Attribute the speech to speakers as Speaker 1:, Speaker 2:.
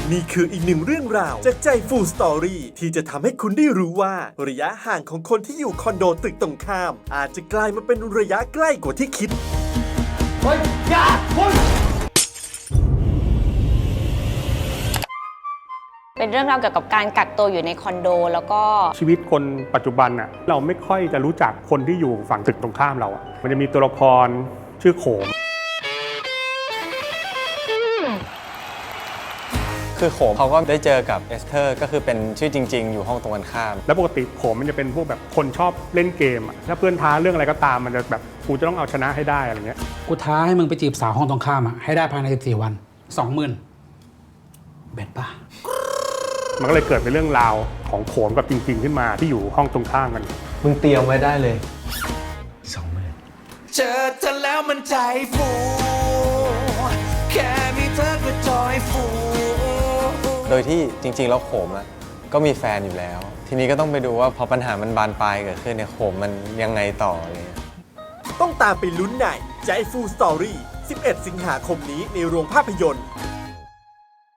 Speaker 1: นี่คืออีกหนึ่งเรื่องราวจากใจฟูสตอรี่ที่จะทำให้คุณได้รู้ว่าระยะห่างของคนที่อยู่คอนโดตึกตรงข้าม อาจจะกลายมาเป็นระยะใกล้กว่าที่คิด
Speaker 2: เป็นเรื่องราวเกี่ยวกับการกักตัวอยู่ในคอนโดแล้วก็
Speaker 3: ชีวิตคนปัจจุบันน่ะเราไม่ค่อยจะรู้จักคนที่อยู่ฝั่งตึกตรงข้ามเราอ่ะมันจะมีตัวละครชื่อโขม
Speaker 4: คือโขมเขาก็ได้เจอกับเอสเธอร์ก็คือเป็นชื่อจริงๆอยู่ห้องตรงกันข้าม
Speaker 3: แล้วปกติโขมมันจะเป็นพวกแบบคนชอบเล่นเกมอ่ะถ้าเพื่อนท้าเรื่องอะไรก็ตามมันจะแบบกูจะต้องเอาชนะให้ได้อะไรเงี้ย
Speaker 5: กูท้าให้มึงไปจีบสาวห้องตรงข้ามให้ได้ภายใน14 วัน 20,000 เบ็ดป่ะ
Speaker 3: มันก็เลยเกิดเป็นเรื่องราวของโขมกับจริงๆขึ้นมาที่อยู่ห้องตรงข้ามกัน
Speaker 4: มึงเตรียมไว้ได้เลย
Speaker 6: 20,000เจอเธอแล้วมันใจฟูแค่มีเธอก็จอยฟู
Speaker 4: โดยที่จริงๆแล้วโขมอะก็มีแฟนอยู่แล้วทีนี้ก็ต้องไปดูว่าพอปัญหามันบานปลายเกิดขึ้นเนี่ยโขมมันยังไงต่อเลย
Speaker 1: ต้องตามไปลุ้นในใจฟูสตอรี่11 สิงหาคมนี้ในโรงภาพยนตร์